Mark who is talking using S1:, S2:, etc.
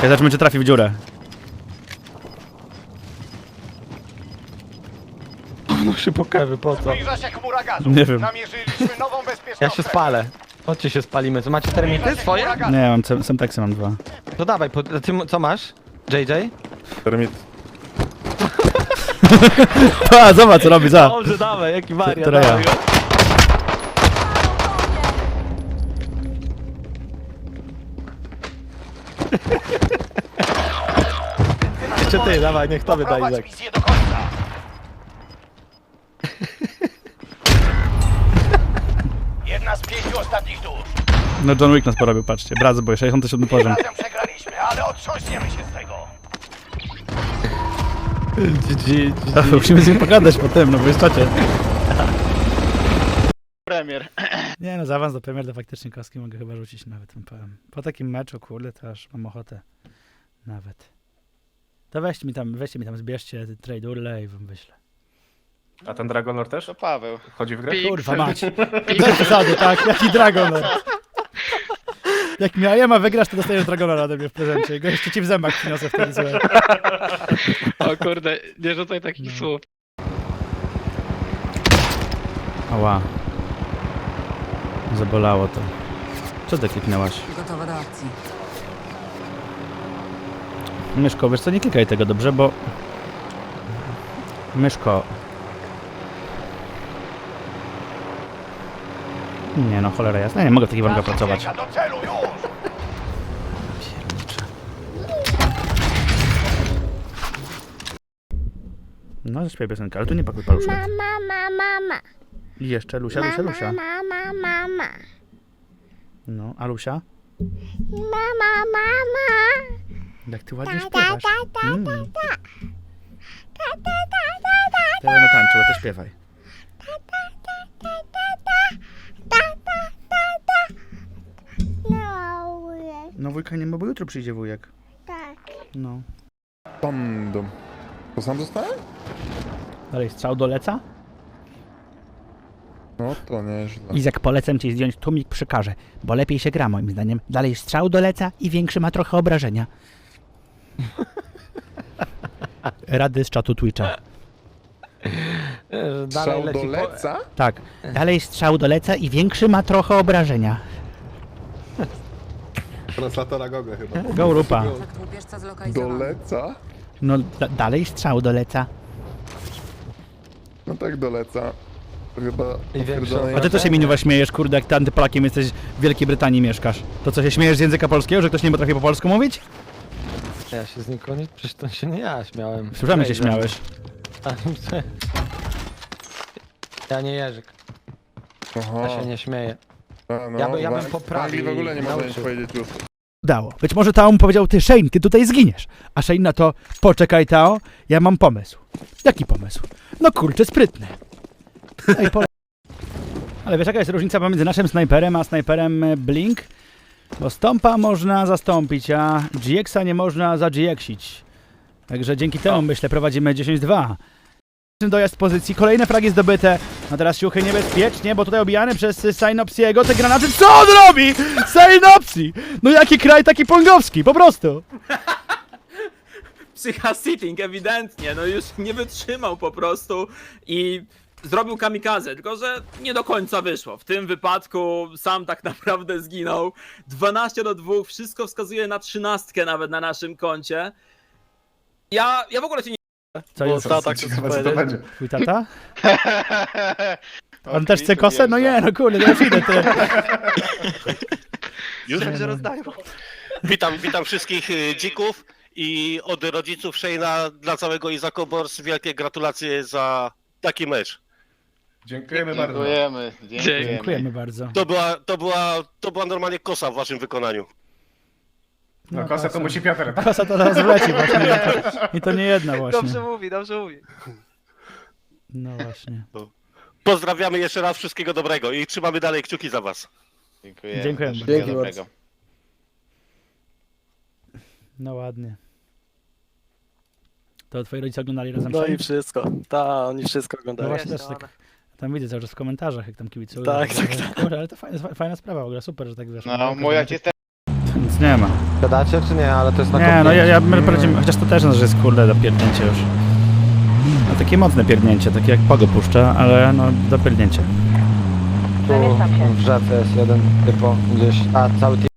S1: Ja zobaczymy, czy trafi w dziurę.
S2: No się pokaże, po co?
S3: Zbliża się chmura gazu.
S1: Nie wiem.
S3: Namierzyliśmy nową bezpieczną
S2: Ja się spalę. Chodźcie się spalimy. Co macie termity swoje?
S1: Nie, ja mam semteksy, mam 2.
S2: To dawaj, ty co masz? JJ?
S4: Termit.
S1: A, zobacz co robi, za.
S2: Dobrze, dawaj, jaki wariat.
S1: Teraz ja.
S2: dawaj go. Jeszcze ty, dawaj, niech to wyda
S3: Prowadź
S2: Izak.
S3: misję do końca. Jedna z 5 ostatnich dusz.
S1: No John Wick nas porobił, patrzcie. Brat boy, 67
S3: Tym
S1: poziom.
S3: razem przegraliśmy, ale otrząśniemy się z tego.
S1: Musimy z nim pogadać po tym, no bo jest czacie.
S5: Premier.
S1: Nie no, za awans do Premier to faktycznie kostki mogę chyba rzucić nawet, powiem. Po takim meczu, kurde, to aż mam ochotę. Nawet. To weźcie mi tam, zbierzcie trade urle i wam wyślę.
S4: A ten Dragonlord też?
S5: To Paweł.
S4: Wchodzi w grę?
S1: Kurwa mać. Bez zasady, tak? Jaki Dragon. Jak Miajema wygrasz, to dostajesz Dragona ode mnie w prezencie. Go jeszcze ci w zębach przyniosę wtedy złe.
S5: O kurde, nie rzucaj takich słów.
S1: Ała. Zabolało to. Co ty kliknęłaś?
S6: Gotowa do akcji.
S1: Myszko, wiesz co, nie klikaj tego dobrze, bo... Myszko... Nie no, cholera jasna, nie mogę w takich warunkach pracować.
S3: Ucieka do celu już.
S1: No, zaśpiewaj piosenkę, ale tu nie pakuj paluszek.
S7: Mama.
S1: I jeszcze Lusia.
S7: Mama.
S1: No, a Lusia?
S7: Mama.
S1: Jak ty ładnie śpiewasz. Teraz no tańczyła, to śpiewaj.
S7: No,
S1: No wujka nie ma, bo jutro przyjdzie wujek.
S7: tak.
S1: No.
S4: Bandom. To sam zostałem?
S1: Dalej strzał do leca.
S4: No to nieźle.
S1: Izak, polecam ci zdjąć tłumik przy karze, bo lepiej się gra moim zdaniem. Dalej strzał do leca i większy ma trochę obrażenia. Rady z czatu Twitcha.
S4: Strzał do leca?
S1: Tak. Dalej strzał do leca i większy ma trochę obrażenia.
S4: Translatora Goga chyba.
S1: Go rupa.
S6: Fakt łupieżca
S4: Do
S6: zlokalizowany.
S4: leca?
S1: No dalej strzał do leca.
S4: No tak do leca. To chyba
S2: I większe
S4: potwierdzone
S1: A ty to się minuwa śmiejesz, kurde, jak ty antypolakiem jesteś w Wielkiej Brytanii mieszkasz. To co, się śmiejesz z języka polskiego, że ktoś nie potrafi po polsku mówić?
S2: Ja się z nikogo nie... Przecież to się nie ja śmiałem.
S1: Słyszałem, że się
S2: Jejże.
S1: śmiałeś.
S2: Ja nie Jerzyk,
S4: Aha,
S2: ja się nie śmieję.
S4: no,
S2: ja bym
S4: w
S2: poprawił
S4: Anglii w ogóle nie
S2: i
S4: można nic
S2: nauczył.
S4: powiedzieć już.
S1: Udało. Być może Tao mu powiedział, ty Shane, ty tutaj zginiesz. A Shane na to, poczekaj Tao, ja mam pomysł. Jaki pomysł? No kurczę, sprytny. Ej, Ale wiesz jaka jest różnica pomiędzy naszym snajperem a snajperem Blink? Bo Stompa można zastąpić, a GX-a nie można za-GX-ić. Także dzięki temu, myślę, prowadzimy 10-2. Dojazd pozycji, kolejne fragi zdobyte. A teraz siuchy niebezpiecznie, bo tutaj obijany przez Synopsiego. Te granaty, co on robi? Synopsi! No jaki kraj, taki pongowski, po prostu.
S8: Psycha sitting, ewidentnie, no już nie wytrzymał po prostu i zrobił kamikazę, tylko że nie do końca wyszło. W tym wypadku sam tak naprawdę zginął. 12-2, wszystko wskazuje na 13 nawet na naszym koncie. Ja w ogóle się nie...
S1: Co jest?
S5: tata
S4: Ciekawe co to będzie.
S1: Twój tata? On też chce kosę? No nie, no kurde, ja już idę, ty.
S9: Już się rozdają. Witam wszystkich dzików i od rodziców Shane'a dla całego Izako Bors wielkie gratulacje za taki mecz.
S4: Dziękujemy bardzo.
S5: Dziękujemy.
S1: Dziękujemy bardzo.
S9: To była normalnie kosa w waszym wykonaniu.
S4: No kosę to musi Piotr.
S1: Kosa to teraz wleci właśnie. I to nie jedna właśnie.
S5: Dobrze mówi.
S1: No właśnie.
S9: Pozdrawiamy jeszcze raz, wszystkiego dobrego i trzymamy dalej kciuki za was.
S1: Dziękujemy.
S5: Wszystkiego dobrego.
S1: No ładnie. To twoi rodzice oglądali razem
S10: No
S1: Shane?
S10: i wszystko. Oni wszystko
S1: No
S10: oglądają.
S1: właśnie też tak. Tam widzę cały czas w komentarzach, jak tam kibicują.
S10: Tak.
S1: Kurde, ale to fajna sprawa w ogóle, super, że tak wiesz.
S5: No, mój ojciec też
S1: nie ma.
S2: Gadacie czy nie? Ale to jest na
S1: Nie, no
S2: kopnięcie.
S1: my poradzimy, chociaż to też, no, że jest kurde do pierdnięcia już. No takie mocne pierdnięcie, takie jak Pogo puszcza, ale no do pierdnięcia.
S2: Tu w rzece jest jeden typo gdzieś, a cały team